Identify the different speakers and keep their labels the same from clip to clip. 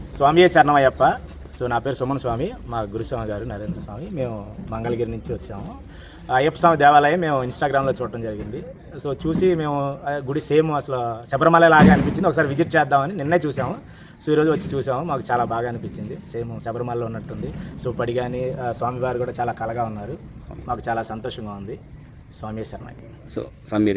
Speaker 1: స్వామి శరణమయ్యప్ప. సో నా పేరు సుమన్ స్వామి, మా గురుస్వామి గారు నరేంద్ర స్వామి. మేము మంగళగిరి నుంచి వచ్చాము. అయ్యప్ప స్వామి దేవాలయం మేము ఇన్స్టాగ్రామ్లో చూడటం జరిగింది. సో చూసి మేము గుడి సేమ్ అసలు శబరిమల లాగా అనిపించింది. ఒకసారి విజిట్ చేద్దామని నిన్నే చూసాము. సో ఈరోజు వచ్చి చూసాము, మాకు చాలా బాగా అనిపించింది. సేమ్ శబరిమలలో ఉన్నట్టుంది. సో పడి కానీ స్వామివారు కూడా చాలా కలగా ఉన్నారు. మాకు చాలా సంతోషంగా ఉంది. స్వామి శరణకి.
Speaker 2: సో స్వామి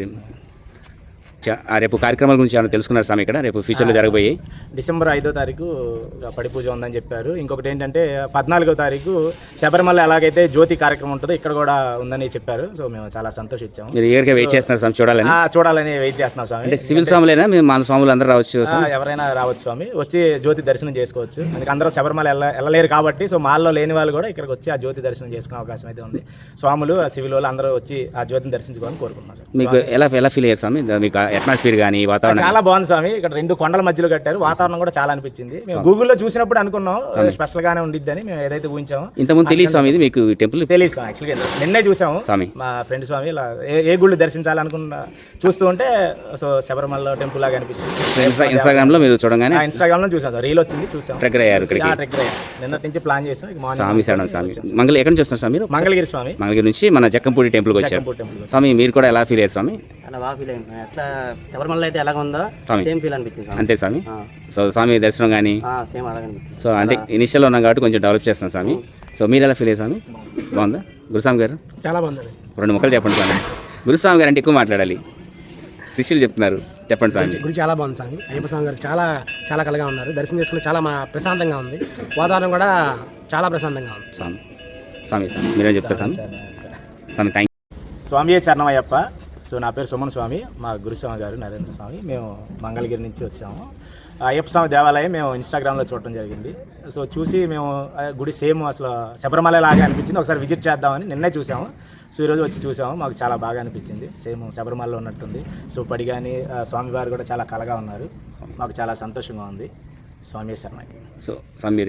Speaker 2: రేపు కార్యక్రమాల గురించి ఏమైనా తెలుసుకున్నారు స్వామి? ఇక్కడ రేపు ఫ్యూచర్లో జరగబోయి
Speaker 1: డిసెంబర్ 5వ తారీఖు పడి పూజ ఉందని చెప్పారు. ఇంకొకటి ఏంటంటే 14వ తారీఖు శబరిమల ఎలాగైతే జ్యోతి కార్యక్రమం ఉంటుందో ఇక్కడ కూడా ఉందని చెప్పారు. సో మేము చాలా సంతోషించాము.
Speaker 2: మీరు ఏరిగా వెయిట్ చేస్తున్నారు స్వామి
Speaker 1: చూడాలని వెయిట్ చేస్తున్నాం స్వామి.
Speaker 2: అంటే సివిల్ స్వాములైనా మేము మన స్వాములు అందరూ రావచ్చు?
Speaker 1: ఎవరైనా రావచ్చు స్వామి, వచ్చి జ్యోతి దర్శనం చేసుకోవచ్చు. అందుకే అందరూ శబరిమల వెళ్ళలేరు కాబట్టి సో మాల్లో లేని వాళ్ళు కూడా ఇక్కడికి వచ్చి ఆ జ్యోతి దర్శనం చేసుకునే అవకాశం అయితే ఉంది. స్వాములు సివిల్ వాళ్ళు అందరూ వచ్చి ఆ జ్యోతిని దర్శించుకోవాలని కోరుకుంటున్నాం సార్.
Speaker 2: మీకు ఎలా ఫీల్ అయ్యారు స్వామి? మీకు అట్మాస్ఫియర్ కానీ వాతావరణం
Speaker 1: చాలా బాగుంది స్వామి. ఇక్కడ 2 కొండల మధ్యలో కట్టారు. వాతావరణం కూడా చాలా అనిపించింది. మేము గూగుల్లో చూసినప్పుడు అనుకున్నాం స్పెషల్ గానే ఉండిద్దని. మేము ఏదైతే ఊహించామో
Speaker 2: ఇంతకుముందు తెలియదు స్వామి, ఇది మీకు టెంపుల్
Speaker 1: తెలియదు స్వామి. యాక్చువల్గా నిన్నే చూసాము
Speaker 2: స్వామి.
Speaker 1: మా ఫ్రెండ్ స్వామి ఇలా ఏ గుళ్ళు దర్శించాలనుకున్న చూస్తూ ఉంటే సో శబరిమల టెంపుల్ లాగా అనిపించింది.
Speaker 2: ఇన్స్టాగ్రామ్ లో మీరు చూడగానే
Speaker 1: ఇన్స్టాగ్రామ్ లో చూసాం సార్, రీల్ వచ్చింది చూసాం.
Speaker 2: ట్రెక్కర్ అయ్యారు.
Speaker 1: నిన్నటి నుంచి ప్లాన్ చేసాం.
Speaker 2: స్వామి శరణం స్వామి. ఎక్కడి నుంచి వస్తున్నారు స్వామి?
Speaker 1: మంగళగిరి స్వామి.
Speaker 2: మంగళగిరి నుంచి మన జక్కంపూడి టెంపుల్కి వచ్చారు స్వామి. మీరు కూడా ఎలా ఫీల్ అయ్యారు స్వామి?
Speaker 3: బాగా ఫీల్ అయింది. ఎట్లా శబరిమల అయితే ఎలాగ ఉందో సేమ్ ఫీల్ అనిపించింది.
Speaker 2: అంతే స్వామి. సో స్వామి దర్శనం కానీ
Speaker 3: సేమ్ అలాగే అనిపించింది.
Speaker 2: సో అంటే ఇనిషియల్ ఉన్నాం కాబట్టి కొంచెం డెవలప్ చేస్తాం స్వామి. సో మీరు ఎలా ఫీల్ అయ్యారు స్వామి? బాగుందా గురుస్వామి గారు?
Speaker 1: చాలా బాగుంది.
Speaker 2: 2 ముక్కలు చెప్పండి స్వామి. గురుస్వామి గారు అంటే ఎక్కువ మాట్లాడాలి, శిష్యులు చెప్తున్నారు. చెప్పండి స్వామి.
Speaker 4: గుడి చాలా బాగుంది స్వామి. అయ్యప్ప స్వామి గారు చాలా కలగా ఉన్నారు. దర్శనం చేసుకుని చాలా ప్రశాంతంగా ఉంది. వాతావరణం కూడా చాలా ప్రశాంతంగా ఉంది.
Speaker 2: స్వామి మీరేం చెప్తారు స్వామి? స్వామి థ్యాంక్
Speaker 1: స్వామి శరణమయ్యప్ప. సో నా పేరు సుమన్ స్వామి, మా గురుస్వామి గారు నరేంద్ర స్వామి. మేము మంగళగిరి నుంచి వచ్చాము. అయ్యప్ప స్వామి దేవాలయం మేము ఇన్స్టాగ్రామ్లో చూడటం జరిగింది. సో చూసి మేము గుడి సేమ్ అసలు శబరిమల లాగా అనిపించింది. ఒకసారి విజిట్ చేద్దామని నిన్నే చూసాము. సో ఈరోజు వచ్చి చూసాము, మాకు చాలా బాగా అనిపించింది. సేమ్ శబరిమలలో ఉన్నట్టుంది. సో పడి కానీ స్వామివారు కూడా చాలా కలగా ఉన్నారు. మాకు చాలా సంతోషంగా ఉంది. స్వామి శరణకి.
Speaker 2: సో స్వామి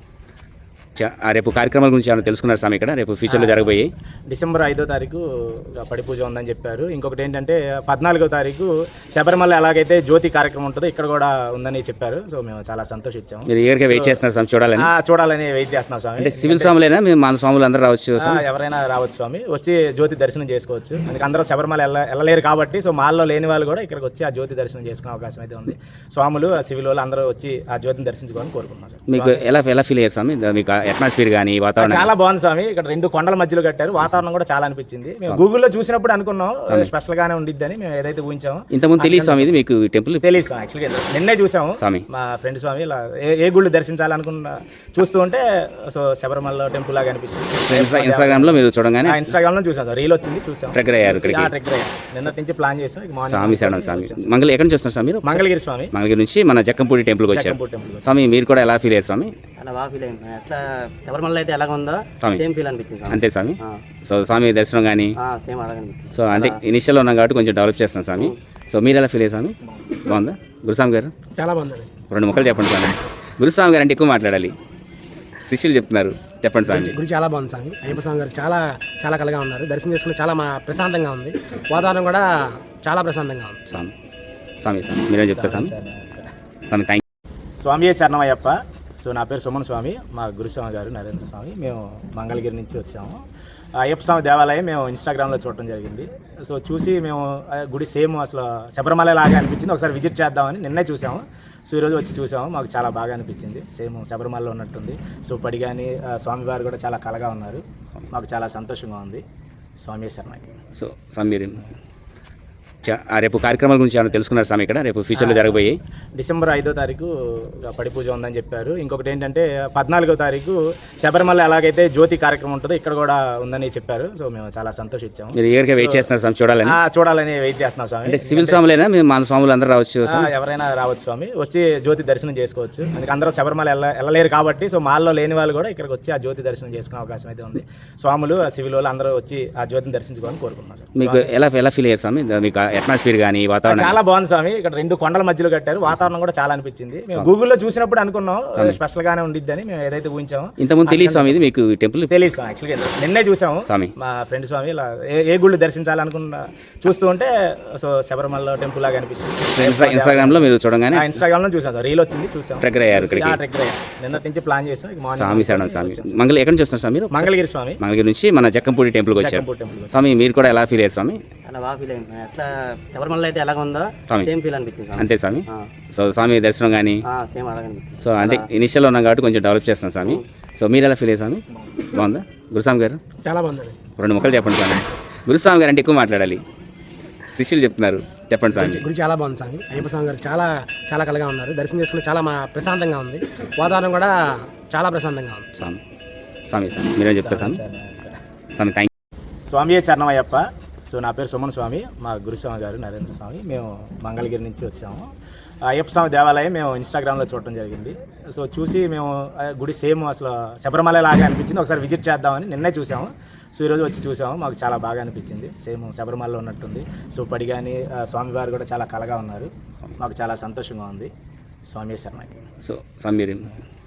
Speaker 2: రేపు కార్యక్రమాల గురించి ఏమైనా తెలుసుకున్నారు స్వామి? ఇక్కడ రేపు ఫ్యూచర్లో జరగబోయి
Speaker 1: డిసెంబర్ 5వ తారీఖు పడి పూజ ఉందని చెప్పారు. ఇంకొకటి ఏంటంటే 14వ తారీఖు శబరిమల ఎలాగైతే జ్యోతి కార్యక్రమం ఉంటుందో ఇక్కడ కూడా ఉందని చెప్పారు. సో మేము చాలా సంతోషించాము.
Speaker 2: మీరు ఏరిగా వెయిట్ చేస్తున్నారు స్వామి?
Speaker 1: చూడాలని వెయిట్ చేస్తున్నాం స్వామి.
Speaker 2: అంటే సివిల్ స్వాములైనా మేము మన స్వాములు అందరూ రావచ్చు?
Speaker 1: ఎవరైనా రావచ్చు స్వామి, వచ్చి జ్యోతి దర్శనం చేసుకోవచ్చు. అందుకే అందరూ శబరిమల వెళ్ళలేరు కాబట్టి సో మాల్లో లేని వాళ్ళు కూడా ఇక్కడికి వచ్చి ఆ జ్యోతి దర్శనం చేసుకునే అవకాశం అయితే ఉంది. స్వాములు సివిల్ వాళ్ళు అందరూ వచ్చి ఆ జ్యోతిని దర్శించుకోవాలని కోరుకుంటున్నాం సార్.
Speaker 2: మీకు ఎలా ఫీల్ అయ్యారు స్వామి? మీకు అట్మాస్ఫియర్ కానీ వాతావరణం
Speaker 1: చాలా బాగుంది స్వామి. ఇక్కడ 2 కొండల మధ్యలో కట్టారు. వాతావరణం కూడా చాలా అనిపించింది. మేము గూగుల్లో చూసినప్పుడు అనుకున్నాం స్పెషల్ గానే ఉండిద్దని. మేము ఏదైతే ఊహించామో
Speaker 2: ఇంతకుముందు తెలియదు స్వామి, ఇది మీకు టెంపుల్
Speaker 1: తెలియదు స్వామి. యాక్చువల్గా నిన్నే చూసాము. మా ఫ్రెండ్ స్వామి ఇలా ఏ గుళ్ళు దర్శించాలనుకున్న చూస్తూ ఉంటే సో శబరిమల టెంపుల్ లాగా అనిపించింది.
Speaker 2: ఇన్స్టాగ్రామ్ లో మీరు చూడగానే
Speaker 1: ఇన్స్టాగ్రామ్ లో చూసాం సార్, రీల్ వచ్చింది చూసాం.
Speaker 2: ట్రెక్కర్ అయ్యారు.
Speaker 1: నిన్నటి నుంచి ప్లాన్ చేసాం.
Speaker 2: స్వామి శరణం స్వామి. ఎక్కడి నుంచి వస్తున్నారు స్వామి?
Speaker 1: మంగళగిరి స్వామి.
Speaker 2: మంగళగిరి నుంచి మన జక్కంపూడి టెంపుల్కి వచ్చారు స్వామి. మీరు కూడా ఎలా ఫీల్ అయ్యారు స్వామి?
Speaker 3: బాగా ఫీల్ అయింది. ఎట్లా శబరిమల అయితే ఎలాగ ఉందో సేమ్ ఫీల్ అనిపించింది.
Speaker 2: అంతే స్వామి. సో స్వామి దర్శనం కానీ
Speaker 3: సేమ్ అలాగే అనిపించింది.
Speaker 2: సో అంటే ఇనిషియల్ ఉన్నాం కాబట్టి కొంచెం డెవలప్ చేస్తాం స్వామి. సో మీరు ఎలా ఫీల్ అయ్యారు స్వామి? బాగుందా గురుస్వామి గారు?
Speaker 4: చాలా బాగుంది.
Speaker 2: 2 ముక్కలు చెప్పండి స్వామి. గురుస్వామి గారు అంటే ఎక్కువ మాట్లాడాలి, శిష్యులు చెప్తున్నారు. చెప్పండి స్వామి.
Speaker 4: గుడి చాలా బాగుంది స్వామి. అయ్యప్ప స్వామి గారు చాలా కలగా ఉన్నారు. దర్శనం చేసుకుని చాలా ప్రశాంతంగా ఉంది. వాతావరణం కూడా చాలా ప్రశాంతంగా ఉంది.
Speaker 2: స్వామి మీరేం చెప్తారు స్వామి? స్వామి థ్యాంక్
Speaker 1: స్వామి శరణమయ్యప్ప. సో నా పేరు సుమన్ స్వామి, మా గురుస్వామి గారు నరేంద్ర స్వామి. మేము మంగళగిరి నుంచి వచ్చాము. అయ్యప్ప స్వామి దేవాలయం మేము ఇన్స్టాగ్రామ్లో చూడటం జరిగింది. సో చూసి మేము గుడి సేమ్ అసలు శబరిమల లాగా అనిపించింది. ఒకసారి విజిట్ చేద్దామని నిన్నే చూసాము. సో ఈరోజు వచ్చి చూసాము, మాకు చాలా బాగా అనిపించింది. సేమ్ శబరిమలలో ఉన్నట్టుంది. సో పడి కానీ స్వామివారు కూడా చాలా కలగా ఉన్నారు. మాకు చాలా సంతోషంగా ఉంది. స్వామి శరణకి.
Speaker 2: సో స్వామి రేపు కార్యక్రమాల గురించి ఏమైనా తెలుసుకున్నారు స్వామి? ఇక్కడ రేపు ఫ్యూచర్లో జరగబోయి
Speaker 1: డిసెంబర్ 5వ తారీఖు పడి పూజ ఉందని చెప్పారు. ఇంకొకటి ఏంటంటే 14వ తారీఖు శబరిమల ఎలాగైతే జ్యోతి కార్యక్రమం ఉంటుందో ఇక్కడ కూడా ఉందని చెప్పారు. సో మేము చాలా సంతోషించాము.
Speaker 2: మీరు ఏరిగా వెయిట్ చేస్తున్నారు స్వామి?
Speaker 1: చూడాలని వెయిట్ చేస్తున్నాం స్వామి.
Speaker 2: అంటే సివిల్ స్వాములైనా మేము మన స్వాములు అందరూ రావచ్చు?
Speaker 1: ఎవరైనా రావచ్చు స్వామి, వచ్చి జ్యోతి దర్శనం చేసుకోవచ్చు. అందుకే అందరూ శబరిమల వెళ్ళలేరు కాబట్టి సో మాల్లో లేని వాళ్ళు కూడా ఇక్కడికి వచ్చి ఆ జ్యోతి దర్శనం చేసుకునే అవకాశం అయితే ఉంది. స్వాములు సివిల్ వాళ్ళు అందరూ వచ్చి ఆ జ్యోతిని దర్శించుకోవాలని కోరుకుంటున్నాం సార్.
Speaker 2: మీకు ఎలా ఫీల్ అయ్యారు స్వామి? మీకు అట్మాస్ఫియర్ కానీ వాతావరణం
Speaker 1: చాలా బాగుంది స్వామి. ఇక్కడ రెండు కొండల మధ్యలో కట్టారు. వాతావరణం కూడా చాలా అనిపించింది. మేము గూగుల్లో చూసినప్పుడు అనుకున్నాం స్పెషల్ గానే ఉండిద్దని మేము ఏదైతే ఊహించామో.
Speaker 2: ఇంతకుముందు తెలియదు స్వామి ఇది మీకు టెంపుల్
Speaker 1: తెలియదు స్వామి. యాక్చువల్గా నిన్నే చూసాము.
Speaker 2: స్వామి
Speaker 1: మా ఫ్రెండ్ స్వామి ఇలా ఏ గుళ్ళు దర్శించాలనుకున్నా చూస్తూ ఉంటే సో శబరిమల టెంపుల్ లాగా అనిపించింది.
Speaker 2: ఇన్స్టాగ్రామ్ లో మీరు చూడగానే
Speaker 1: ఇన్స్టాగ్రామ్ లో చూసాం సార్. రీల్ వచ్చింది చూసాం.
Speaker 2: ట్రెక్కర్ అయ్యారు ఇక్కడికి.
Speaker 1: ట్రెక్ నిన్నటి నుంచి ప్లాన్ చేసాం.
Speaker 2: స్వామి శరణం స్వామి. ఎక్కడి నుంచి వస్తున్నారు స్వామి మీరు?
Speaker 1: మంగళగిరి స్వామి.
Speaker 2: మంగళగిరి నుంచి మన జక్కంపూడి టెంపుల్కి వచ్చారు
Speaker 1: టెంపుల్.
Speaker 2: స్వామి. మీరు కూడా ఎలా ఫీల్ అయ్యారు స్వామి?
Speaker 3: అలా బాగా ఫీల్ అయింది. ఎట్లా శబరిమల అయితే ఎలాగ ఉందో సేమ్ ఫీల్ అనిపించింది స్వామి.
Speaker 2: అంతే స్వామి. సో స్వామి దర్శనం కానీ
Speaker 3: సేమ్ అలాగే అనిపించింది.
Speaker 2: సో అంటే ఇనిషియల్ ఉన్నాం కాబట్టి కొంచెం డెవలప్ చేస్తాం స్వామి. సో మీరు ఎలా ఫీల్ అయ్యారు స్వామి? బాగుందా గురుస్వామి గారు?
Speaker 4: చాలా బాగుంది.
Speaker 2: రెండు ముక్కలు చెప్పండి స్వామి. గురుస్వామి గారు అంటే ఎక్కువ మాట్లాడాలి, శిష్యులు చెప్తున్నారు. చెప్పండి స్వామి.
Speaker 4: గుడి చాలా బాగుంది స్వామి. అయ్యప్ప స్వామి గారు చాలా చాలా కలగా ఉన్నారు. దర్శనం చేసుకుని చాలా ప్రశాంతంగా ఉంది. వాతావరణం కూడా చాలా ప్రశాంతంగా ఉంది.
Speaker 2: స్వామి స్వామి స్వామి మీరేం చెప్తారు స్వామి? స్వామి థ్యాంక్
Speaker 1: స్వామి శరణమయ్యప్ప. సో నా పేరు సుమన్ స్వామి. మా గురుస్వామి గారు నరేంద్ర స్వామి. మేము మంగళగిరి నుంచి వచ్చాము. అయ్యప్ప స్వామి దేవాలయం మేము ఇన్స్టాగ్రామ్లో చూడటం జరిగింది. సో చూసి మేము గుడి సేమ్ అసలు శబరిమల లాగా అనిపించింది. ఒకసారి విజిట్ చేద్దామని నిన్నే చూసాము. సో ఈరోజు వచ్చి చూసాము. మాకు చాలా బాగా అనిపించింది. సేమ్ శబరిమలలో ఉన్నట్టుంది. సో పడి కానీ స్వామివారు కూడా చాలా కలగా ఉన్నారు. మాకు చాలా సంతోషంగా ఉంది. స్వామి శరణకి.
Speaker 2: సో స్వామి మీరు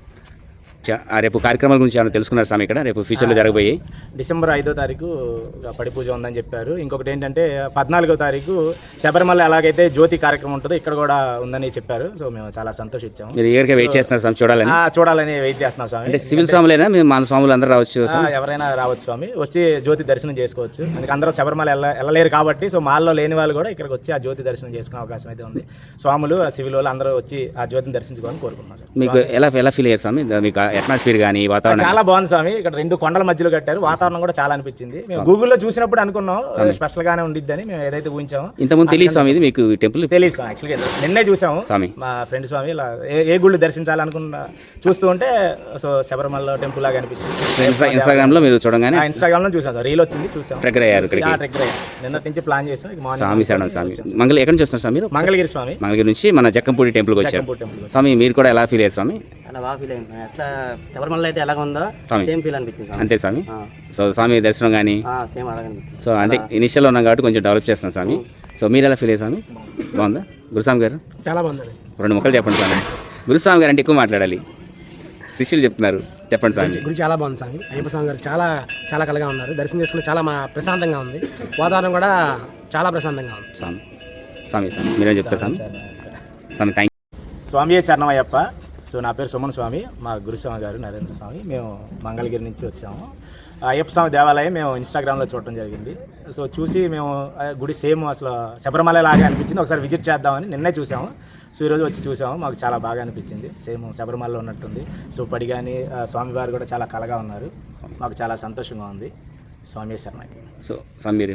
Speaker 2: రేపు కార్యక్రమాల గురించి ఏమైనా తెలుసుకున్నారు స్వామి ఇక్కడ రేపు ఫ్యూచర్లో జరగబోయి?
Speaker 1: డిసెంబర్ 5వ తారీఖు పడి పూజ ఉందని చెప్పారు. ఇంకొకటి ఏంటంటే 14వ తారీఖు శబరిమల ఎలాగైతే జ్యోతి కార్యక్రమం ఉంటుందో ఇక్కడ కూడా ఉందని చెప్పారు. సో మేము చాలా సంతోషించాము.
Speaker 2: మీరు ఈగర్గా వెయిట్ చేస్తున్నారు స్వామి చూడాలని?
Speaker 1: చూడాలని వెయిట్ చేస్తున్నాం స్వామి.
Speaker 2: అంటే సివిల్ స్వాములైనా మేము మన స్వాములు అందరూ రావచ్చు?
Speaker 1: ఎవరైనా రావచ్చు స్వామి. వచ్చి జ్యోతి దర్శనం చేసుకోవచ్చు. అందుకే అందరూ శబరిమల వెళ్ళలేరు కాబట్టి సో మాల్లో లేని వాళ్ళు కూడా ఇక్కడికి వచ్చి ఆ జ్యోతి దర్శనం చేసుకునే అవకాశం అయితే ఉంది. స్వాములు సివిల్ వాళ్ళు అందరూ వచ్చి ఆ జ్యోతిని దర్శించుకోవాలని కోరుకుంటున్నాం సార్.
Speaker 2: మీకు ఎలా ఫీల్ అయ్యారు స్వామి? మీకు అట్మాస్ఫియర్ కానీ వాతావరణం
Speaker 1: చాలా బాగుంది స్వామి. ఇక్కడ రెండు కొండల మధ్యలో కట్టారు. వాతావరణం కూడా చాలా అనిపించింది. మేము గూగుల్లో చూసినప్పుడు అనుకున్నాం స్పెషల్ గానే ఉండిద్దని మేము ఏదైతే ఊహించామో.
Speaker 2: ఇంతకుముందు తెలియదు స్వామి ఇది మీకు టెంపుల్?
Speaker 1: తెలియదు స్వామి. యాక్చువల్గా నిన్నే చూసాము.
Speaker 2: స్వామి
Speaker 1: మా ఫ్రెండ్ స్వామి ఇలా ఏ గుళ్ళు దర్శించాలనుకున్నా చూస్తూ ఉంటే సో శబరిమల టెంపుల్ లాగా అనిపించింది.
Speaker 2: ఇన్స్టాగ్రామ్ లో మీరు చూడగానే
Speaker 1: ఇన్స్టాగ్రామ్ లో చూసాం సార్. రీల్ వచ్చింది చూసాం.
Speaker 2: ట్రెక్కర్ అయ్యారు ఇక్కడికి.
Speaker 1: ట్రెక్ నిన్నటి నుంచి ప్లాన్ చేసాం.
Speaker 2: స్వామి శరణం స్వామి. ఎక్కడి నుంచి వస్తున్నారు స్వామి మీరు?
Speaker 1: మంగళగిరి స్వామి.
Speaker 2: మంగళగిరి నుంచి మన జక్కంపూడి టెంపుల్కి వచ్చారు
Speaker 1: టెంపుల్.
Speaker 2: స్వామి. మీరు కూడా ఎలా ఫీల్ అయ్యారు స్వామి?
Speaker 3: అలా బాగా ఫీల్ అయింది. ఎట్లా శబరిమల అయితే ఎలాగ ఉందో సేమ్ ఫీల్ అనిపించింది స్వామి.
Speaker 2: అంతే స్వామి. సో స్వామి దర్శనం కానీ
Speaker 3: సేమ్ అలాగే అనిపించింది.
Speaker 2: సో అంటే ఇనిషియల్ ఉన్నాం కాబట్టి కొంచెం డెవలప్ చేస్తాం స్వామి. సో మీరు ఎలా ఫీల్ అయ్యారు స్వామి? బాగుందా గురుస్వామి గారు?
Speaker 4: చాలా బాగుంది.
Speaker 2: రెండు ముక్కలు చెప్పండి స్వామి. గురుస్వామి గారు అంటే ఎక్కువ మాట్లాడాలి, శిష్యులు చెప్తున్నారు. చెప్పండి స్వామి.
Speaker 4: గుడి చాలా బాగుంది స్వామి. అయ్యప్ప స్వామి గారు చాలా చాలా కలగా ఉన్నారు. దర్శనం చేసుకుని చాలా ప్రశాంతంగా ఉంది. వాతావరణం కూడా చాలా ప్రశాంతంగా ఉంది.
Speaker 2: స్వామి స్వామి స్వామి మీరేం చెప్తారు స్వామి? స్వామి థ్యాంక్
Speaker 1: స్వామి శరణమయ్యప్ప. సో నా పేరు సుమన్ స్వామి. మా గురుస్వామి గారు నరేంద్ర స్వామి. మేము మంగళగిరి నుంచి వచ్చాము. అయ్యప్ప స్వామి దేవాలయం మేము ఇన్స్టాగ్రామ్లో చూడటం జరిగింది. సో చూసి మేము గుడి సేమ్ అసలు శబరిమల లాగా అనిపించింది. ఒకసారి విజిట్ చేద్దామని నిన్నే చూసాము. సో ఈరోజు వచ్చి చూసాము. మాకు చాలా బాగా అనిపించింది. సేమ్ శబరిమలలో ఉన్నట్టుంది. సో పడి కానీ స్వామివారు కూడా చాలా కలగా ఉన్నారు. మాకు చాలా సంతోషంగా ఉంది. స్వామి శరణకి.
Speaker 2: సో స్వామి మీరు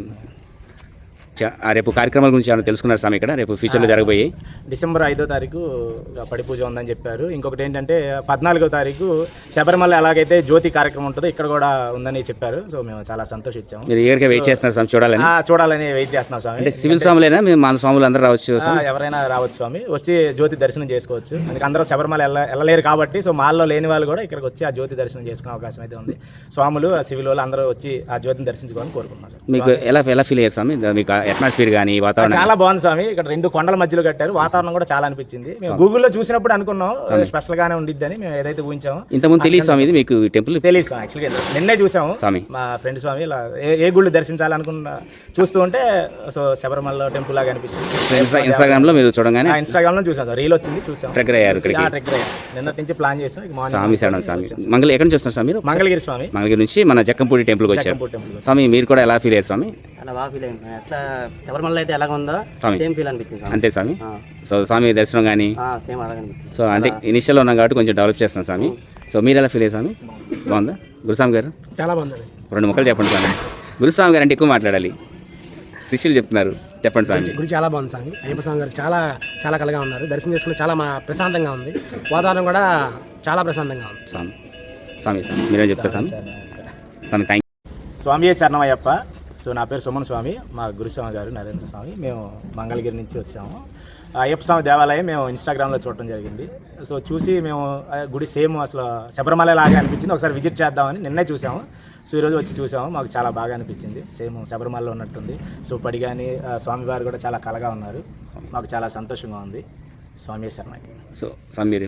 Speaker 2: రేపు కార్యక్రమాల గురించి ఏమైనా తెలుసుకున్నారు స్వామి ఇక్కడ రేపు ఫ్యూచర్లో జరగబోయి?
Speaker 1: డిసెంబర్ 5వ తారీఖు పడి పూజ ఉందని చెప్పారు. ఇంకొకటి ఏంటంటే 14వ తారీఖు శబరిమల ఎలాగైతే జ్యోతి కార్యక్రమం ఉంటుందో ఇక్కడ కూడా ఉందని చెప్పారు. సో మేము చాలా సంతోషించాము.
Speaker 2: మీరు ఈగర్గా వెయిట్ చేస్తున్నారు స్వామి చూడాలని?
Speaker 1: చూడాలని వెయిట్ చేస్తున్నాం స్వామి.
Speaker 2: అంటే సివిల్ స్వాములైనా మేము మన స్వాములు అందరూ రావచ్చు?
Speaker 1: ఎవరైనా రావచ్చు స్వామి. వచ్చి జ్యోతి దర్శనం చేసుకోవచ్చు. అందుకే అందరూ శబరిమల వెళ్ళలేరు కాబట్టి సో మాల్లో లేని వాళ్ళు కూడా ఇక్కడికి వచ్చి ఆ జ్యోతి దర్శనం చేసుకునే అవకాశం అయితే ఉంది. స్వాములు సివిల్ వాళ్ళు అందరూ వచ్చి ఆ జ్యోతిని దర్శించుకోవాలని కోరుకుంటున్నాం సార్.
Speaker 2: మీకు ఎలా ఫీల్ అయ్యారు స్వామి? మీకు అట్మాస్ఫియర్ కానీ వాతావరణం
Speaker 1: చాలా బాగుంది స్వామి. ఇక్కడ రెండు కొండల మధ్యలో కట్టారు. వాతావరణం కూడా చాలా అనిపించింది. మేము గూగుల్లో చూసినప్పుడు అనుకున్నాం స్పెషల్ గానే ఉండిద్దని మేము ఏదైతే ఊహించామో.
Speaker 2: ఇంతకుముందు తెలియదు స్వామి ఇది మీకు టెంపుల్?
Speaker 1: తెలియదు స్వామి. యాక్చువల్గా నిన్నే చూసాము.
Speaker 2: స్వామి
Speaker 1: మా ఫ్రెండ్ స్వామి ఇలా ఏ గుళ్ళు దర్శించాలనుకున్నా చూస్తూ ఉంటే సో శబరిమల టెంపుల్ లాగా అనిపించింది.
Speaker 2: ఇన్స్టాగ్రామ్ లో మీరు చూడగానే
Speaker 1: ఇన్స్టాగ్రామ్ లో చూసాం సార్. రీల్ వచ్చింది చూసాం.
Speaker 2: ట్రెక్కర్ అయ్యారు ఇక్కడికి.
Speaker 1: ట్రెక్ నిన్నటి నుంచి ప్లాన్ చేసాం.
Speaker 2: స్వామి శరణం స్వామి. ఎక్కడి నుంచి వస్తున్నారు స్వామి మీరు?
Speaker 1: మంగళగిరి స్వామి.
Speaker 2: మంగళగిరి నుంచి మన జక్కంపూడి టెంపుల్కి వచ్చారు
Speaker 1: టెంపుల్.
Speaker 2: స్వామి. మీరు కూడా ఎలా ఫీల్ అయ్యారు స్వామి?
Speaker 3: అలా బాగా ఫీల్ అయింది. ఎట్లా శబరిమల అయితే ఎలాగ ఉందో సేమ్ ఫీల్ అనిపించింది స్వామి.
Speaker 2: అంతే స్వామి. సో స్వామి దర్శనం కానీ
Speaker 3: సేమ్ అలాగే అనిపించింది.
Speaker 2: సో అంటే ఇనిషియల్ ఉన్నాం కాబట్టి కొంచెం డెవలప్ చేస్తాం స్వామి. సో మీరు ఎలా ఫీల్ అయ్యారు స్వామి? బాగుందా గురుస్వామి గారు?
Speaker 4: చాలా బాగుంది.
Speaker 2: రెండు ముక్కలు చెప్పండి స్వామి. గురుస్వామి గారు అంటే ఎక్కువ మాట్లాడాలి, శిష్యులు చెప్తున్నారు. చెప్పండి స్వామి.
Speaker 4: గుడి చాలా బాగుంది స్వామి. అయ్యప్ప స్వామి గారు చాలా చాలా కలగా ఉన్నారు. దర్శనం చేసుకుని చాలా ప్రశాంతంగా ఉంది. వాతావరణం కూడా చాలా ప్రశాంతంగా ఉంది.
Speaker 2: స్వామి స్వామి స్వామి మీరేం చెప్తారు స్వామి? స్వామి థ్యాంక్
Speaker 1: స్వామి శరణమయ్యప్ప. సో నా పేరు సుమన్ స్వామి. మా గురుస్వామి గారు నరేంద్ర స్వామి. మేము మంగళగిరి నుంచి వచ్చాము. అయ్యప్ప స్వామి దేవాలయం మేము ఇన్స్టాగ్రామ్లో చూడటం జరిగింది. సో చూసి మేము గుడి సేమ్ అసలు శబరిమల లాగా అనిపించింది. ఒకసారి విజిట్ చేద్దామని నిన్నే చూసాము. సో ఈరోజు వచ్చి చూసాము, మాకు చాలా బాగా అనిపించింది. సేమ్ శబరిమలలో ఉన్నట్టుంది. సో పడి కానీ స్వామివారు కూడా చాలా కలగా ఉన్నారు. మాకు చాలా సంతోషంగా ఉంది. స్వామి శరణకి.
Speaker 2: సో స్వామి మీరు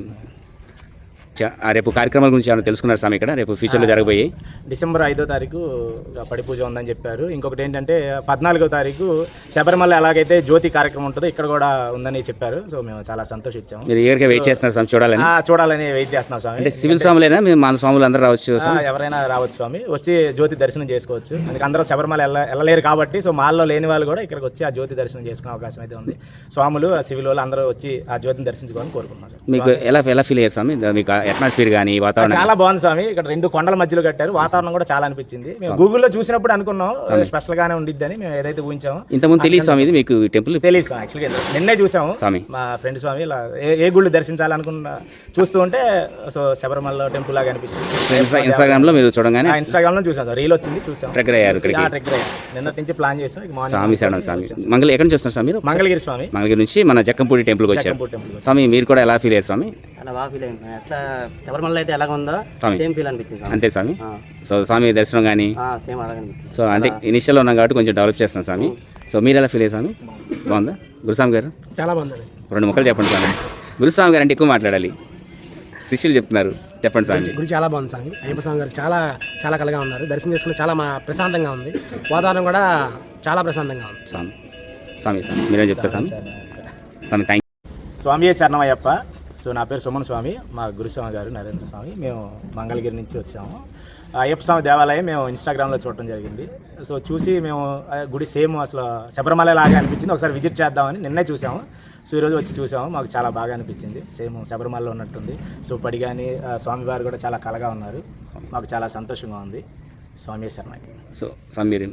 Speaker 2: రేపు కార్యక్రమాల గురించి ఏమైనా తెలుసుకున్నారు స్వామి ఇక్కడ రేపు ఫ్యూచర్లో జరగబోయే?
Speaker 1: డిసెంబర్ 5వ తారీఖు పడి పూజ ఉందని చెప్పారు. ఇంకొకటి ఏంటంటే 14వ తారీఖు శబరిమల ఎలాగైతే జ్యోతి కార్యక్రమం ఉంటుందో ఇక్కడ కూడా ఉందని చెప్పారు. సో మేము చాలా సంతోషించాము.
Speaker 2: మీరు ఏరిగా వెయిట్ చేస్తున్నారు స్వామి చూడాలని?
Speaker 1: చూడాలని వెయిట్ చేస్తున్నాం స్వామి.
Speaker 2: అంటే సివిల్ స్వాములేనా, మేము మన స్వాములు అందరూ రావచ్చు?
Speaker 1: ఎవరైనా రావచ్చు స్వామి, వచ్చి జ్యోతి దర్శనం చేసుకోవచ్చు. అందుకే అందరూ శబరిమల వెళ్ళలేరు కాబట్టి సో మాల్లో లేని వాళ్ళు కూడా ఇక్కడికి వచ్చి ఆ జ్యోతి దర్శనం చేసుకునే అవకాశం అయితే ఉంది. స్వాములు సివిల్ వాళ్ళు అందరూ వచ్చి ఆ జ్యోతిని దర్శించుకోవాలని కోరుకుంటున్నాం సార్.
Speaker 2: మీకు ఎలా ఫీల్ అయ్యారు స్వామి? మీకు అట్మాస్ఫియర్ కానీ వాతావరణం?
Speaker 1: చాలా బాగుంది స్వామి. ఇక్కడ 2 కొండల మధ్యలో కట్టారు. వాతావరణం కూడా చాలా అనిపించింది. మేము గూగుల్లో చూసినప్పుడు అనుకున్నాం స్పెషల్ గానే ఉండిద్దని మేము ఏదైతే ఊహించామో.
Speaker 2: ఇంతకుముందు తెలియదు స్వామి ఇది మీకు టెంపుల్?
Speaker 1: తెలియదు స్వామి. యాక్చువల్గా నిన్నే చూసాము
Speaker 2: స్వామి.
Speaker 1: మా ఫ్రెండ్ స్వామి ఇలా ఏ గుళ్ళు దర్శించాలనుకున్న చూస్తూ ఉంటే సో శబరిమల టెంపుల్ లాగా అనిపించింది.
Speaker 2: ఇన్స్టాగ్రామ్ లో మీరు చూడగానే?
Speaker 1: ఇన్స్టాగ్రామ్ లో చూసాం సార్, రీల్ వచ్చింది చూసాం.
Speaker 2: ట్రెక్కర్ అయ్యారు ఇక్కడికి?
Speaker 1: ట్రెక్కర్ అయ్యాం. నిన్నటి నుంచి ప్లాన్ చేసాం.
Speaker 2: స్వామి శరణం స్వామి. ఎక్కడి నుంచి వస్తున్నారు స్వామి మీరు?
Speaker 1: మంగళగిరి స్వామి.
Speaker 2: మంగళగిరి నుంచి మన జక్కంపూడి టెంపుల్కి వచ్చారు స్వామి. మీరు కూడా ఎలా ఫీల్ అయ్యారు స్వామి?
Speaker 3: అలా బాగా ఫీల్ అయింది. ఎట్లా శబరిమల అయితే ఎలాగ ఉందో సేమ్ ఫీల్ అనిపించింది స్వామి.
Speaker 2: అంతే స్వామి. సో స్వామి దర్శనం కానీ
Speaker 3: సేమ్ అలాగే అనిపించింది.
Speaker 2: సో అంటే ఇనిషియల్లో ఉన్నాం కాబట్టి కొంచెం డెవలప్ చేస్తాం స్వామి. సో మీరు ఎలా ఫీల్ అయ్యారు స్వామి? బాగుందా గురుస్వామి గారు?
Speaker 4: చాలా బాగుందండి.
Speaker 2: 2 ముక్కలు చెప్పండి స్వామి. గురుస్వామి గారు అంటే ఎక్కువ మాట్లాడాలి, శిష్యులు చెప్తున్నారు. చెప్పండి స్వామి.
Speaker 4: గుడి చాలా బాగుంది స్వామి. అయ్యప్ప స్వామి గారు చాలా చాలా కలగా ఉన్నారు. దర్శనం చేసుకుని చాలా ప్రశాంతంగా ఉంది. వాతావరణం కూడా చాలా ప్రశాంతంగా ఉంది.
Speaker 2: స్వామి స్వామి స్వామి మీరేం చెప్తారు స్వామి? స్వామి థ్యాంక్
Speaker 1: స్వామి శరణమయ్యప్ప. సో నా పేరు సుమన్ స్వామి, మా గురుస్వామి గారు నరేంద్ర స్వామి. మేము మంగళగిరి నుంచి వచ్చాము. అయ్యప్ప స్వామి దేవాలయం మేము ఇన్స్టాగ్రామ్లో చూడటం జరిగింది. సో చూసి మేము గుడి సేమ్ అసలు శబరిమల లాగా అనిపించింది. ఒకసారి విజిట్ చేద్దామని నిన్నే చూసాము. సో ఈరోజు వచ్చి చూసాము, మాకు చాలా బాగా అనిపించింది. సేమ్ శబరిమలలో ఉన్నట్టుంది. సో పడి కానీ స్వామివారు కూడా చాలా కలగా ఉన్నారు. మాకు చాలా సంతోషంగా ఉంది. స్వామి శరణకి.
Speaker 2: సో స్వామి మీరు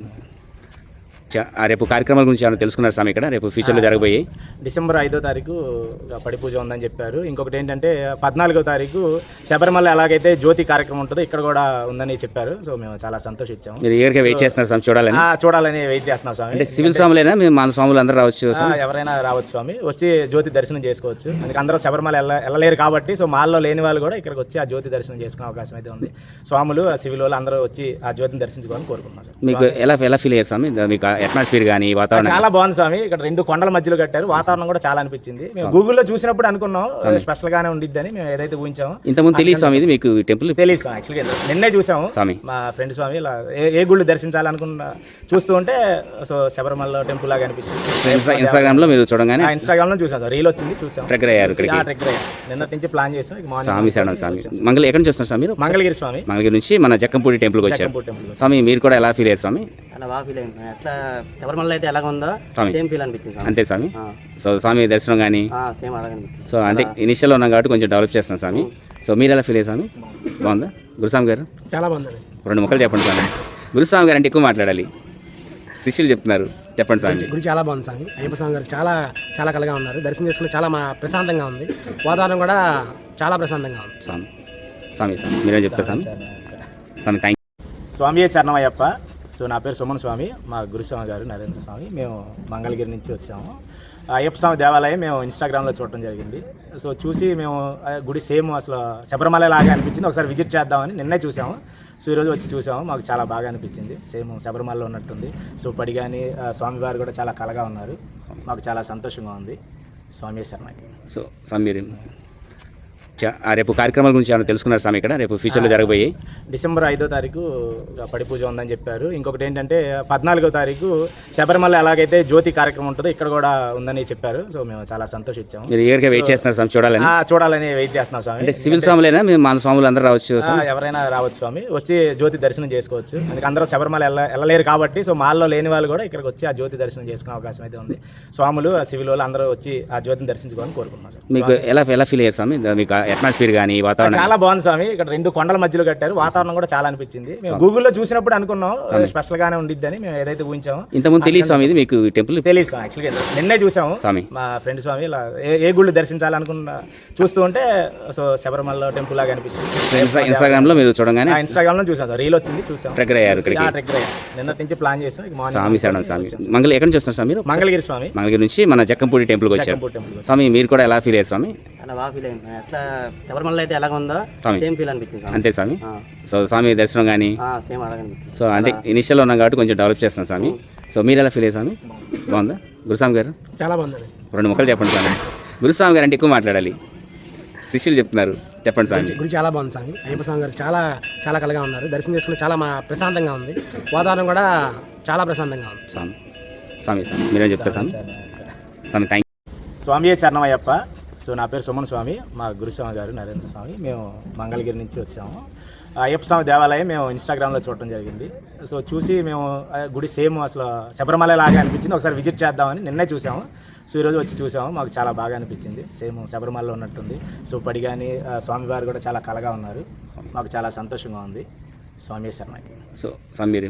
Speaker 2: రేపు కార్యక్రమాల గురించి ఏమైనా తెలుసుకున్నారు స్వామి ఇక్కడ రేపు ఫ్యూచర్లో జరగబోయే?
Speaker 1: డిసెంబర్ 5వ తారీఖు పడి పూజ ఉందని చెప్పారు. ఇంకొకటి ఏంటంటే 14వ తారీఖు శబరిమల ఎలాగైతే జ్యోతి కార్యక్రమం ఉంటుందో ఇక్కడ కూడా ఉందని చెప్పారు. సో మేము చాలా సంతోషించాము.
Speaker 2: మీరు ఏరిగా వెయిట్ చేస్తున్నారు స్వామి చూడాలని?
Speaker 1: చూడాలని వెయిట్ చేస్తున్నాం స్వామి.
Speaker 2: అంటే సివిల్ స్వాములేనా, మేము మన స్వాములు అందరూ రావచ్చు?
Speaker 1: ఎవరైనా రావచ్చు స్వామి, వచ్చి జ్యోతి దర్శనం చేసుకోవచ్చు. అందుకే అందరూ శబరిమల వెళ్ళలేరు కాబట్టి సో మాల్లో లేని వాళ్ళు కూడా ఇక్కడికి వచ్చి ఆ జ్యోతి దర్శనం చేసుకునే అవకాశం అయితే ఉంది. స్వాములు సివిల్ వాళ్ళు అందరూ వచ్చి ఆ జ్యోతిని దర్శించుకోవాలని కోరుకుంటున్నాం సార్.
Speaker 2: మీకు ఎలా ఫీల్ అయ్యారు స్వామి? మీకు అట్మాస్ఫియర్ కానీ వాతావరణం?
Speaker 1: చాలా బాగుంది స్వామి. ఇక్కడ 2 కొండల మధ్యలో కట్టారు. వాతావరణం కూడా చాలా అనిపించింది. మేము గూగుల్లో చూసినప్పుడు అనుకున్నాం స్పెషల్ గానే ఉండిద్దని మేము ఏదైతే ఊహించామో.
Speaker 2: ఇంతకుముందు తెలియదు స్వామి ఇది మీకు టెంపుల్?
Speaker 1: తెలియదు స్వామి. యాక్చువల్గా నిన్నే చూసాము
Speaker 2: స్వామి.
Speaker 1: మా ఫ్రెండ్ స్వామి ఇలా ఏ గుళ్ళు దర్శించాలనుకున్న చూస్తూ ఉంటే సో శబరిమల టెంపుల్ లాగా అనిపించింది.
Speaker 2: ఇన్స్టాగ్రామ్ లో మీరు చూడగానే?
Speaker 1: ఇన్స్టాగ్రామ్ లో చూసాం సార్, రీల్ వచ్చింది చూసాం.
Speaker 2: ట్రెక్కర్ అయ్యారు ఇక్కడికి?
Speaker 1: ట్రెక్కర్ అయ్యాం. నిన్నటి నుంచి ప్లాన్ చేసాం.
Speaker 2: స్వామి శరణం స్వామి. ఎక్కడి నుంచి వస్తున్నారు స్వామి మీరు?
Speaker 1: మంగళగిరి స్వామి.
Speaker 2: మంగళగిరి నుంచి మన జక్కంపూడి టెంపుల్కి వచ్చారు స్వామి. మీరు కూడా ఎలా ఫీల్ అయ్యారు స్వామి?
Speaker 3: అలా బాగా ఫీల్ అయింది. ఎట్లా శబరిమల అయితే ఎలాగ ఉందో సేమ్ ఫీల్ అనిపించింది స్వామి.
Speaker 2: అంతే స్వామి. సో స్వామి దర్శనం కానీ
Speaker 3: సేమ్ అలాగే అనిపించింది.
Speaker 2: సో అంటే ఇనిషియల్లో ఉన్నాం కాబట్టి కొంచెం డెవలప్ చేస్తాం స్వామి. సో మీరు ఎలా ఫీల్ అయ్యారు స్వామి? బాగుందా గురుస్వామి గారు?
Speaker 4: చాలా బాగుందండి.
Speaker 2: 2 ముక్కలు చెప్పండి స్వామి. గురుస్వామి గారు అంటే ఎక్కువ మాట్లాడాలి, శిష్యులు చెప్తున్నారు. చెప్పండి స్వామి.
Speaker 4: గుడి చాలా బాగుంది స్వామి. అయ్యప్ప స్వామి గారు చాలా చాలా కలగా ఉన్నారు. దర్శనం చేసుకుని చాలా ప్రశాంతంగా ఉంది. వాతావరణం కూడా చాలా ప్రశాంతంగా ఉంది.
Speaker 2: స్వామి స్వామి స్వామి మీరేం చెప్తారు స్వామి? స్వామి థ్యాంక్
Speaker 1: స్వామి శరణమయ్యప్ప. సో నా పేరు సుమన్ స్వామి, మా గురుస్వామి గారు నరేంద్ర స్వామి. మేము మంగళగిరి నుంచి వచ్చాము. అయ్యప్ప స్వామి దేవాలయం మేము ఇన్స్టాగ్రామ్లో చూడటం జరిగింది. సో చూసి మేము గుడి సేమ్ అసలు శబరిమల లాగా అనిపించింది. ఒకసారి విజిట్ చేద్దామని నిన్నే చూసాము. సో ఈరోజు వచ్చి చూసాము, మాకు చాలా బాగా అనిపించింది. సేమ్ శబరిమలలో ఉన్నట్టుంది. సో పడి కానీ స్వామివారు కూడా చాలా కలగా ఉన్నారు. మాకు చాలా సంతోషంగా ఉంది. స్వామి శరణకి.
Speaker 2: సో స్వామి మీరు రేపు కార్యక్రమాల గురించి ఏమైనా తెలుసుకున్నారు స్వామి ఇక్కడ రేపు ఫ్యూచర్లో జరగబోయే?
Speaker 1: డిసెంబర్ 5వ తారీఖు పడి పూజ ఉందని చెప్పారు. ఇంకొకటి ఏంటంటే 14వ తారీఖు శబరిమల ఎలాగైతే జ్యోతి కార్యక్రమం ఉంటుందో ఇక్కడ కూడా ఉందని చెప్పారు. సో మేము చాలా సంతోషించాము.
Speaker 2: మీరు ఏరిగా వెయిట్ చేస్తున్నారు స్వామి చూడాలని?
Speaker 1: చూడాలని వెయిట్ చేస్తున్నాం స్వామి.
Speaker 2: అంటే సివిల్ స్వాములేనా, మేము మన స్వాములు అందరూ రావచ్చు?
Speaker 1: ఎవరైనా రావచ్చు స్వామి, వచ్చి జ్యోతి దర్శనం చేసుకోవచ్చు. అందుకే అందరూ శబరిమల వెళ్ళలేరు కాబట్టి సో మాల్లో లేని వాళ్ళు కూడా ఇక్కడికి వచ్చి ఆ జ్యోతి దర్శనం చేసుకునే అవకాశం అయితే ఉంది. స్వాములు సివిల్ వాళ్ళు అందరూ వచ్చి ఆ జ్యోతిని దర్శించుకోవాలని కోరుకుంటున్నాం సార్.
Speaker 2: మీకు ఎలా ఫీల్ అయ్యారు స్వామి? మీకు అట్మాస్ఫియర్ కానీ వాతావరణం
Speaker 1: చాలా బాగుంది స్వామి. ఇక్కడ రెండు కొండల మధ్యలో కట్టారు, వాతావరణం కూడా చాలా అనిపించింది. మేము గూగుల్లో చూసినప్పుడు అనుకున్నాం స్పెషల్ గానే ఉండిద్దని మేము ఏదైతే ఊహించామో.
Speaker 2: ఇంతకుముందు తెలియదు స్వామి ఇది మీకు టెంపుల్
Speaker 1: తెలియదు స్వామి, యాక్చువల్గా నిన్నే చూసాము.
Speaker 2: స్వామి
Speaker 1: మా ఫ్రెండ్ స్వామి ఇలా ఏ గుళ్ళు దర్శించాలనుకున్న చూస్తూ ఉంటే సో శబరిమల టెంపుల్ లాగా అనిపించింది.
Speaker 2: ఇన్స్టాగ్రామ్ లో మీరు చూడగానే
Speaker 1: ఇన్స్టాగ్రామ్ లో చూసాం సార్, రీల్ వచ్చింది చూసాం.
Speaker 2: ట్రెక్కర్ అయ్యారు ఇక్కడికి.
Speaker 1: ట్రెక్కర్ అయ్యాం, నిన్నటి నుంచి ప్లాన్ చేసాం.
Speaker 2: స్వామి శరణం స్వామి. ఎక్కడి నుంచి వస్తున్నారు స్వామి మీరు?
Speaker 1: మంగళగిరి స్వామి.
Speaker 2: మంగళగిరి నుంచి మన జక్కంపూడి టెంపుల్కి వచ్చారు
Speaker 1: టెంపుల్.
Speaker 2: స్వామి. మీరు కూడా ఎలా ఫీల్ అయ్యారు స్వామి?
Speaker 3: చాలా బాగా ఫీల్ అయింది. ఎట్లా శబరిమల అయితే ఎలాగ ఉందో సేమ్ ఫీల్ అనిపించింది.
Speaker 2: అంతే స్వామి. సో స్వామి దర్శనం కానీ
Speaker 3: సేమ్ అలాగే అనిపించింది.
Speaker 2: సో అంటే ఇనిషియల్ ఉన్నాం కాబట్టి కొంచెం డెవలప్ చేస్తాం స్వామి. సో మీరు ఎలా ఫీల్ అయ్యారు స్వామి? బాగుందా గురుస్వామి గారు?
Speaker 4: చాలా బాగుంది.
Speaker 2: రెండు ముక్కలు చెప్పండి స్వామి. గురుస్వామి గారు అంటే ఎక్కువ మాట్లాడాలి, శిష్యులు చెప్తున్నారు. చెప్పండి స్వామి.
Speaker 4: గుడి చాలా బాగుంది స్వామి. అయ్యప్ప స్వామి గారు చాలా చాలా కలగా ఉన్నారు. దర్శనం చేసుకుని చాలా ప్రశాంతంగా ఉంది. వాతావరణం కూడా చాలా ప్రశాంతంగా ఉంది.
Speaker 2: స్వామి స్వామి స్వామి మీరేం చెప్తారు స్వామి? స్వామి థ్యాంక్
Speaker 1: స్వామి శరణమయ్యప్ప. సో నా పేరు సుమన్ స్వామి, మా గురుస్వామి గారు నరేంద్ర స్వామి. మేము మంగళగిరి నుంచి వచ్చాము. అయ్యప్ప స్వామి దేవాలయం మేము ఇన్స్టాగ్రామ్లో చూడటం జరిగింది. సో చూసి మేము గుడి సేమ్ అసలు శబరిమల లాగా అనిపించింది, ఒకసారి విజిట్ చేద్దామని నిన్నే చూసాము. సో ఈరోజు వచ్చి చూసాము, మాకు చాలా బాగా అనిపించింది. సేమ్ శబరిమలలో ఉన్నట్టుంది. సో పడి కానీ స్వామివారు కూడా చాలా కలగా ఉన్నారు. మాకు చాలా సంతోషంగా ఉంది. స్వామి శరణకి.
Speaker 2: సో స్వామి మీరు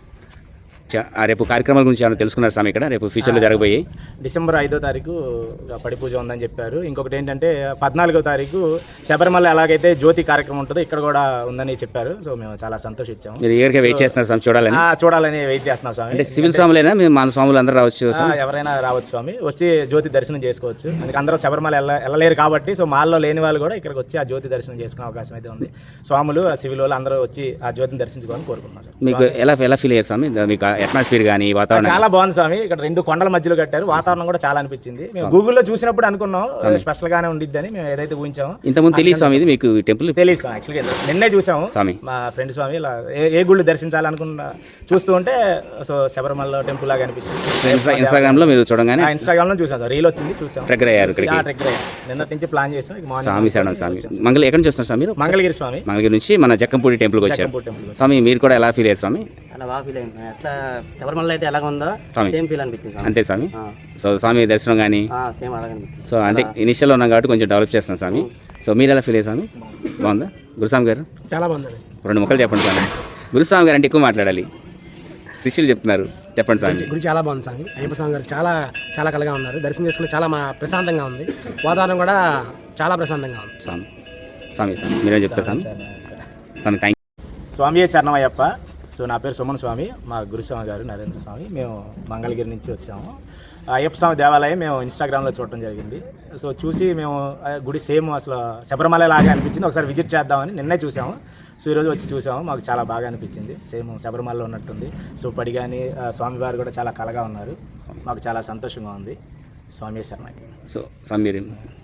Speaker 2: రేపు కార్యక్రమాల గురించి ఏమైనా తెలుసుకున్నారు స్వామి? ఇక్కడ రేపు ఫ్యూచర్లో జరగబోయే
Speaker 1: డిసెంబర్ 5వ తారీఖు పడి పూజ ఉందని చెప్పారు. ఇంకొకటి ఏంటంటే 14వ తారీఖు శబరిమల ఎలాగైతే జ్యోతి కార్యక్రమం ఉంటుందో ఇక్కడ కూడా ఉందని చెప్పారు. సో మేము చాలా సంతోషించాము.
Speaker 2: మీరు ఏరిగా వెయిట్ చేస్తున్నారు స్వామి
Speaker 1: చూడాలని వెయిట్ చేస్తున్నాం స్వామి.
Speaker 2: అంటే సివిల్ స్వాములైనా మేము మన స్వాములు అందరూ రావచ్చు?
Speaker 1: ఎవరైనా రావచ్చు స్వామి, వచ్చి జ్యోతి దర్శనం చేసుకోవచ్చు. అందుకే అందరూ శబరిమల వెళ్ళలేరు కాబట్టి సో మాల్లో లేని వాళ్ళు కూడా ఇక్కడికి వచ్చి ఆ జ్యోతి దర్శనం చేసుకునే అవకాశం అయితే ఉంది. స్వాములు సివిల్ వాళ్ళు అందరూ వచ్చి ఆ జ్యోతిని దర్శించుకోవాలని కోరుకుంటున్నాం సార్.
Speaker 2: మీకు ఎలా ఫీల్ అయ్యారు స్వామి? మీకు అట్మాస్ఫియర్ కానీ వాతావరణం
Speaker 1: చాలా బాగుంది స్వామి. ఇక్కడ రెండు కొండల మధ్యలో కట్టారు, వాతావరణం కూడా చాలా అనిపించింది. మేము గూగుల్లో చూసినప్పుడు అనుకున్నాం స్పెషల్ గానే ఉండిద్దని మేము ఏదైతే ఊహించామో.
Speaker 2: ఇంతకుముందు తెలియదు స్వామి ఇది మీకు టెంపుల్?
Speaker 1: తెలియదు స్వామి, యాక్చువల్గా నిన్నే చూసాము.
Speaker 2: స్వామి
Speaker 1: మా ఫ్రెండ్ స్వామి ఇలా ఏ గుళ్ళు దర్శించాలనుకున్న చూస్తూ ఉంటే సో శబరిమల టెంపుల్ లాగా అనిపించింది.
Speaker 2: ఇన్స్టాగ్రామ్ లో మీరు చూడగానే
Speaker 1: ఇన్స్టాగ్రామ్ లో చూసాం సార్, రీల్ వచ్చింది చూసాం.
Speaker 2: ట్రెక్కర్ అయ్యారు ఇక్కడికి.
Speaker 1: ట్రెక్కర్ అయ్యాం, నిన్నటి నుంచి ప్లాన్ చేసాం.
Speaker 2: స్వామి శరణం స్వామి. ఎక్కడి నుంచి వస్తున్నారు స్వామి మీరు?
Speaker 1: మంగళగిరి స్వామి.
Speaker 2: మంగళగిరి నుంచి మన జక్కంపూడి టెంపుల్కి వచ్చారు
Speaker 1: టెంపుల్.
Speaker 2: స్వామి. మీరు కూడా ఎలా ఫీల్ అయ్యారు స్వామి?
Speaker 3: చాలా బాగా ఫీల్ అయింది. ఎట్లా శబరిమల అయితే ఎలాగ ఉందో సేమ్ ఫీల్ అనిపించింది.
Speaker 2: అంతే స్వామి. సో స్వామి దర్శనం కానీ
Speaker 3: సేమ్ అలాగే అనిపించింది.
Speaker 2: సో అంటే ఇనిషియల్ ఉన్నాం కాబట్టి కొంచెం డెవలప్ చేస్తాం స్వామి. సో మీరు ఎలా ఫీల్ అయ్యారు స్వామి? బాగుందా గురుస్వామి గారు?
Speaker 4: చాలా బాగుంది.
Speaker 2: రెండు ముక్కలు చెప్పండి స్వామి. గురుస్వామి గారు అంటే ఎక్కువ మాట్లాడాలి, శిష్యులు చెప్తున్నారు. చెప్పండి స్వామి.
Speaker 4: గుడి చాలా బాగుంది స్వామి. అయ్యప్ప స్వామి గారు చాలా చాలా కలగా ఉన్నారు. దర్శనం చేసుకుని చాలా ప్రశాంతంగా ఉంది. వాతావరణం కూడా చాలా ప్రశాంతంగా ఉంది.
Speaker 2: స్వామి స్వామి స్వామి మీరేం చెప్తారు స్వామి? స్వామి థ్యాంక్
Speaker 1: స్వామి శరణమయ్యప్ప. సో నా పేరు సుమన్ స్వామి, మా గురుస్వామి గారు నరేంద్ర స్వామి. మేము మంగళగిరి నుంచి వచ్చాము. అయ్యప్ప స్వామి దేవాలయం మేము ఇన్స్టాగ్రామ్లో చూడటం జరిగింది. సో చూసి మేము గుడి సేమ్ అసలు శబరిమల లాగా అనిపించింది, ఒకసారి విజిట్ చేద్దామని నిన్నే చూసాము. సో ఈరోజు వచ్చి చూసాము, మాకు చాలా బాగా అనిపించింది. సేమ్ శబరిమలలో ఉన్నట్టుంది. సో పడి కానీ స్వామివారు కూడా చాలా కలగా ఉన్నారు. మాకు చాలా సంతోషంగా ఉంది. స్వామి శరణకి.
Speaker 2: సో స్వామి మీరు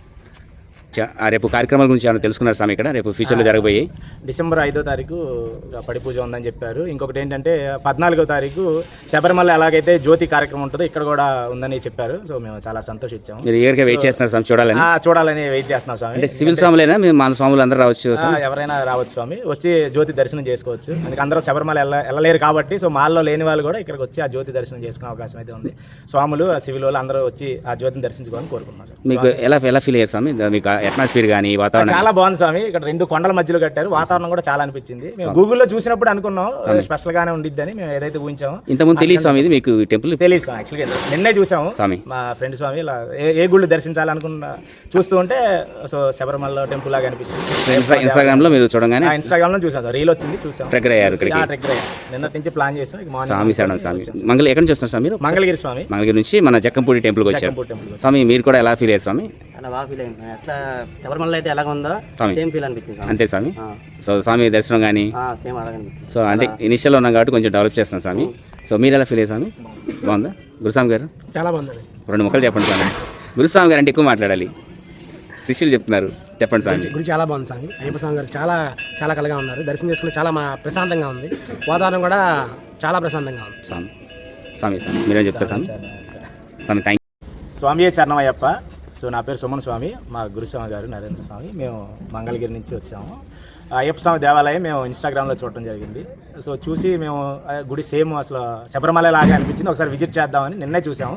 Speaker 2: రేపు కార్యక్రమాల గురించి ఏమైనా తెలుసుకున్నారు స్వామి? ఇక్కడ రేపు ఫ్యూచర్లో జరగబోయే
Speaker 1: డిసెంబర్ 5వ తారీఖు పడి పూజ ఉందని చెప్పారు. ఇంకొకటి ఏంటంటే 14వ తారీఖు శబరిమల ఎలాగైతే జ్యోతి కార్యక్రమం ఉంటుందో ఇక్కడ కూడా ఉందని చెప్పారు. సో మేము చాలా సంతోషించాము.
Speaker 2: మీరు ఏరిగా వెయిట్ చేస్తున్నారు స్వామి
Speaker 1: చూడాలని వెయిట్ చేస్తున్నాం స్వామి.
Speaker 2: అంటే సివిల్ స్వాములైనా మేము మన స్వాములు అందరూ రావచ్చు?
Speaker 1: ఎవరైనా రావచ్చు స్వామి, వచ్చి జ్యోతి దర్శనం చేసుకోవచ్చు. అందుకే అందరూ శబరిమల వెళ్ళలేరు కాబట్టి సో మాల్లో లేని వాళ్ళు కూడా ఇక్కడికి వచ్చి ఆ జ్యోతి దర్శనం చేసుకునే అవకాశం అయితే ఉంది. స్వాములు సివిల్ వాళ్ళు అందరూ వచ్చి ఆ జ్యోతిని దర్శించుకోవాలని కోరుకుంటున్నాం సార్.
Speaker 2: మీకు ఎలా ఫీల్ అయ్యారు స్వామి? మీకు అట్మాస్ఫియర్ కానీ వాతావరణం
Speaker 1: చాలా బాగుంది స్వామి. ఇక్కడ రెండు కొండల మధ్యలో కట్టారు, వాతావరణం కూడా చాలా అనిపించింది. మేము గూగుల్లో చూసినప్పుడు అనుకున్నాం స్పెషల్ గానే ఉండిద్దని మేము ఏదైతే ఊహించామో.
Speaker 2: ఇంతకుముందు తెలియదు స్వామి ఇది మీకు టెంపుల్?
Speaker 1: తెలియదు స్వామి, యాక్చువల్గా నిన్నే చూసాము.
Speaker 2: స్వామి
Speaker 1: మా ఫ్రెండ్ స్వామి ఇలా ఏ గుళ్ళు దర్శించాలనుకున్న చూస్తూ ఉంటే సో శబరిమల టెంపుల్ లాగా అనిపించింది.
Speaker 2: ఇన్స్టాగ్రామ్ లో మీరు చూడగానే
Speaker 1: ఇన్స్టాగ్రామ్ లో చూసాం సార్, రీల్ వచ్చింది చూసాం.
Speaker 2: ట్రెక్కర్ అయ్యారు ఇక్కడికి.
Speaker 1: ట్రెక్కర్ అయ్యాం, నిన్నటి నుంచి ప్లాన్ చేసాం.
Speaker 2: స్వామి శరణం స్వామి. ఎక్కడి నుంచి వస్తున్నారు స్వామి మీరు?
Speaker 1: మంగళగిరి స్వామి.
Speaker 2: మంగళగిరి నుంచి మన జక్కంపూడి టెంపుల్కి వచ్చారు స్వామి. మీరు కూడా ఎలా ఫీల్ అయ్యారు స్వామి?
Speaker 3: చాలా బాగా ఫీల్ అయింది. ఎట్లా శబరిమల అయితే ఎలాగ ఉందో సేమ్ ఫీల్ అనిపించింది.
Speaker 2: అంతే స్వామి. సో స్వామి దర్శనం కానీ
Speaker 3: సేమ్ అలాగే అనిపించింది.
Speaker 2: సో అంటే ఇనిషియల్ ఉన్నాం కాబట్టి కొంచెం డెవలప్ చేస్తాం స్వామి. సో మీరు ఎలా ఫీల్ అయ్యారు స్వామి? బాగుందా గురుస్వామి గారు?
Speaker 4: చాలా బాగుంది.
Speaker 2: రెండు ముక్కలు చెప్పండి స్వామి. గురుస్వామి గారు అంటే ఎక్కువ మాట్లాడాలి, శిష్యులు చెప్తున్నారు. చెప్పండి స్వామి.
Speaker 4: గుడి చాలా బాగుంది స్వామి. అయ్యప్ప స్వామి గారు చాలా చాలా కలగా ఉన్నారు. దర్శనం చేసుకుని చాలా ప్రశాంతంగా ఉంది. వాతావరణం కూడా చాలా ప్రశాంతంగా ఉంది.
Speaker 2: స్వామి స్వామి స్వామి మీరేం చెప్తారు స్వామి? స్వామి థ్యాంక్
Speaker 1: స్వామి శరణమయ్యప్ప. సో నా పేరు సుమన్ స్వామి, మా గురుస్వామి గారు నరేంద్ర స్వామి. మేము మంగళగిరి నుంచి వచ్చాము. అయ్యప్ప స్వామి దేవాలయం మేము ఇన్స్టాగ్రామ్లో చూడటం జరిగింది. సో చూసి మేము గుడి సేమ్ అసలు శబరిమల లాగా అనిపించింది, ఒకసారి విజిట్ చేద్దామని నిన్నే చూసాము.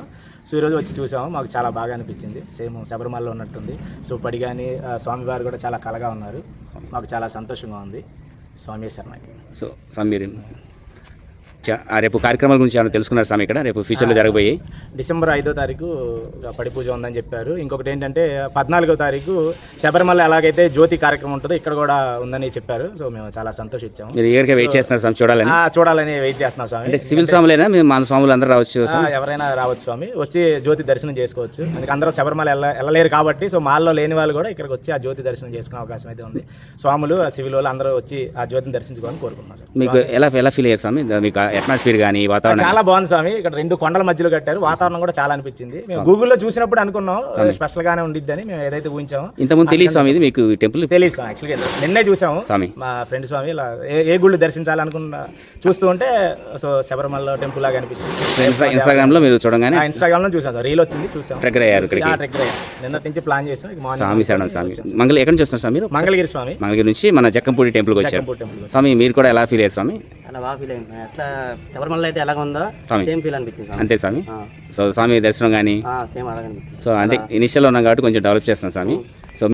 Speaker 1: సో ఈరోజు వచ్చి చూసాము, మాకు చాలా బాగా అనిపించింది. సేమ్ శబరిమలలో ఉన్నట్టుంది. సో పడి కానీ స్వామివారు కూడా చాలా కలగా ఉన్నారు. మాకు చాలా సంతోషంగా ఉంది. స్వామి శరణకి.
Speaker 2: సో స్వామి మీరు రేపు కార్యక్రమాల గురించి ఏమైనా తెలుసుకున్నారు స్వామి ఇక్కడ రేపు ఫ్యూచర్లో జరగబోయి?
Speaker 1: డిసెంబర్ 5వ తారీఖు పడి పూజ ఉందని చెప్పారు. ఇంకొకటి ఏంటంటే 14వ తారీఖు శబరిమల ఎలాగైతే జ్యోతి కార్యక్రమం ఉంటుందో ఇక్కడ కూడా ఉందని చెప్పారు. సో మేము చాలా సంతోషించాము.
Speaker 2: మీరు ఈగర్గా వెయిట్ చేస్తున్నారు స్వామి చూడాలని?
Speaker 1: చూడాలని వెయిట్ చేస్తున్నాం స్వామి.
Speaker 2: అంటే సివిల్ స్వాములైనా మేము మన స్వాములు అందరూ రావచ్చు?
Speaker 1: ఎవరైనా రావచ్చు స్వామి, వచ్చి జ్యోతి దర్శనం చేసుకోవచ్చు. అందుకే అందరూ శబరిమల వెళ్ళలేరు కాబట్టి సో మాల్లో లేని వాళ్ళు కూడా ఇక్కడికి వచ్చి ఆ జ్యోతి దర్శనం చేసుకునే అవకాశం అయితే ఉంది. స్వాములు సివిల్ వాళ్ళు అందరూ వచ్చి ఆ జ్యోతిని దర్శించుకోవాలని కోరుకుంటున్నాం సార్.
Speaker 2: మీకు ఎలా ఫీల్ అయ్యారు స్వామి? మీకు అట్మాస్ఫియర్ కానీ వాతావరణం?
Speaker 1: చాలా బాగుంది స్వామి. ఇక్కడ 2 కొండల మధ్యలో కట్టారు. వాతావరణం కూడా చాలా అనిపించింది. మేము గూగుల్లో చూసినప్పుడు అనుకున్నాం స్పెషల్ గానే ఉండిద్దని మేము ఏదైతే ఊహించామో.
Speaker 2: ఇంతకుముందు తెలియదు స్వామి ఇది మీకు టెంపుల్?
Speaker 1: తెలియదు స్వామి. యాక్చువల్గా నిన్నే చూసాము
Speaker 2: స్వామి.
Speaker 1: మా ఫ్రెండ్ స్వామి ఇలా ఏ గుళ్ళు దర్శించాలనుకున్నా చూస్తూ ఉంటే సో శబరిమల టెంపుల్ లాగా అనిపించింది.
Speaker 2: ఇన్స్టాగ్రామ్ లో మీరు చూడగానే?
Speaker 1: ఇన్స్టాగ్రామ్ లో చూసాం సార్, రీల్ వచ్చింది చూసాం.
Speaker 2: ట్రెక్కర్ అయ్యారు ఇక్కడికి?
Speaker 1: ట్రెక్కర్ అయ్యారు. నిన్నటి నుంచి ప్లాన్ చేసాం.
Speaker 2: స్వామి శరణం స్వామి. ఎక్కడి నుంచి వస్తున్నారు స్వామి మీరు?
Speaker 1: మంగళగిరి స్వామి.
Speaker 2: మంగళగిరి నుంచి మన జక్కంపూడి టెంపుల్కి వచ్చారు
Speaker 1: టెంపుల్.
Speaker 2: స్వామి మీరు కూడా ఎలా ఫీల్ అయ్యారు స్వామి?
Speaker 3: చాలా బాగా ఫీల్ అయింది. ఎట్లా శబరిమల అయితే ఎలాగ ఉందో సేమ్ ఫీల్ అనిపించింది స్వామి.
Speaker 2: అంతే స్వామి. సో స్వామి దర్శనం కానీ
Speaker 3: సేమ్ అలాగే అనిపించింది.
Speaker 2: సో అంటే ఇనిషియల్ ఉన్నాం కాబట్టి కొంచెం డెవలప్ చేస్తాం స్వామి. సో